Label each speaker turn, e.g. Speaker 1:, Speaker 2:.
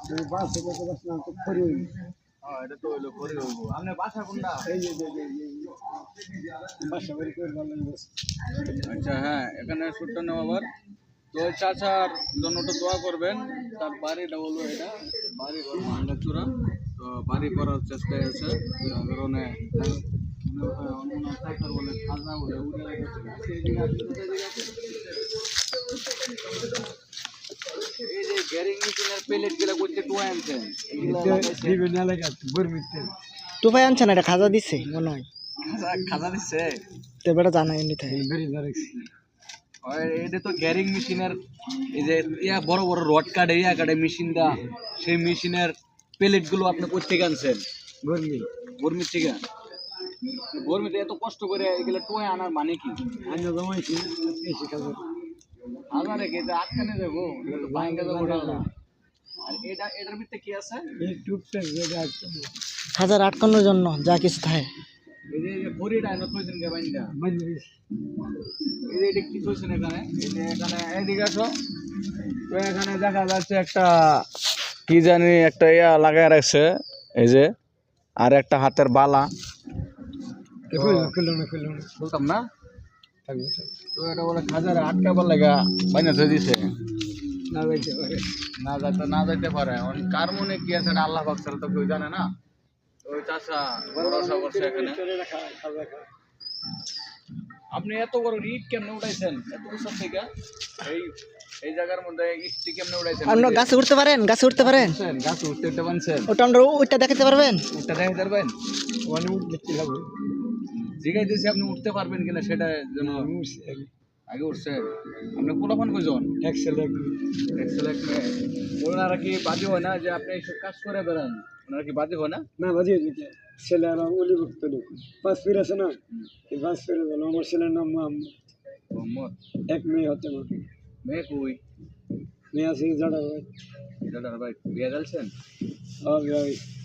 Speaker 1: বাস থেকে তো বাস না তো খড়ি হইল।
Speaker 2: হ্যাঁ এটা তো হইলো করে হইব আপনার বাসা কোনটা
Speaker 1: এই যে বাসা বাড়ি করে ভালো লাগছে।
Speaker 2: আচ্ছা হ্যাঁ এখানে শুটটা নেওয়া আবার তো ওই চাচার জন্য তো দোয়া করবেন তার বাড়িটা হলো এটা বাড়ি ঘর ভাঙ্গাচুরা তো বাড়ি করার চেষ্টায় আছে যার কারণে বলে খাজনা বলে উড়ে গেছে এই যে গ্যারিং মেশিনের প্লেট গুলা করতে টুয়া আনছেন এগুলা লাগাইছে
Speaker 1: বিভিন্ন এলাকা বর্মিতে
Speaker 3: টুপাই আনছে না, এটা খাজা দিচ্ছে মনে হয়।
Speaker 2: খাজা দিচ্ছে
Speaker 3: তো বেটা জানাই নি তাই।
Speaker 1: বেরি ধরেছি।
Speaker 2: এটা তো গ্যারিং মেশিনের এই যে ইয়া বড় বড় রড কাটে ইয়া কাটে মেশিনটা সেই মেশিনের প্লেট গুলো আপনি কোথেকে আনছেন
Speaker 1: বর্মি
Speaker 2: বর্মির থেকে বর্মিতে এত কষ্ট করে এগুলো টুয়ে আনার মানে কি
Speaker 1: আমি জমাইছি এসে খাবো।
Speaker 2: হাজারে কি এটা আটকানে যাবো এটা তো বাইঙ্গা যাবো না আর এটার ভিতরে কি আছে
Speaker 1: এই টুকটাক যেটা আছে
Speaker 3: খাজার আটকানোর জন্য যা কিছু থাকে।
Speaker 2: এই যে বড়িটা এনে থইছেন কে বাইন্দা
Speaker 1: বন্ধ
Speaker 2: এই যে এটা কি থইছেন এখানে এই যে এখানে এদিকে আসো তো এখানে দেখা যাচ্ছে একটা কি জানি একটা ইয়া লাগায় রাখছে এই যে আর একটা হাতের বালা
Speaker 1: খুললো না
Speaker 2: বলতাম না
Speaker 1: থাকবে
Speaker 2: তো এটা বলে খাজারে আটকাবার লাগা বাইনা থই দিছে
Speaker 1: না যাইতে পারে।
Speaker 2: না যাইতে পারে কার মনে কি আছে এটা আল্লাহ পাক ছাড়া তো কেউ জানে না ওই চাচা ভরসা করছে এখানে আপনি এত বড় ইট কেমনে উঠাইছেন এত উঁচা থেকে এই এই জায়গার মধ্যে ইটটি কেমনে উঠাইছেন
Speaker 3: আপনার গাছে উঠতে পারেন, গাছে উঠতে পারেন,
Speaker 2: গাছ উঠতে পারছেন
Speaker 3: ওটা আমরা ওইটা দেখাতে পারবেন।
Speaker 2: উঠতে দেখতে পারবেন
Speaker 1: মানে উঠলে কি হবে?
Speaker 2: জিগাই দিয়েছি আপনি উঠতে পারবেন কিনা সেটা যেন আগে উঠছে আপনি কোলাফান কইজন
Speaker 1: এক্সেল
Speaker 2: এক্সেলেন্ট ওনারা কি বাজে হয় না যে আপনি এইসব কাজ করে বেড়ান ওনারা কি বাজে হয় না
Speaker 1: না বাজিয়ে দিতে ছেলে আর অলিভুক্ত লোক পাঁচ ফির আছে না এই পাঁচ ফিরে গেল আমার ছেলের নাম মোহাম্মদ
Speaker 2: মোহাম্মদ
Speaker 1: এক মেয়ে হতে পারে
Speaker 2: মেয়ে কই
Speaker 1: মেয়ে আছে জাডা ভাই
Speaker 2: দাদা ভাই বিয়ে গেলছেন
Speaker 1: ভাই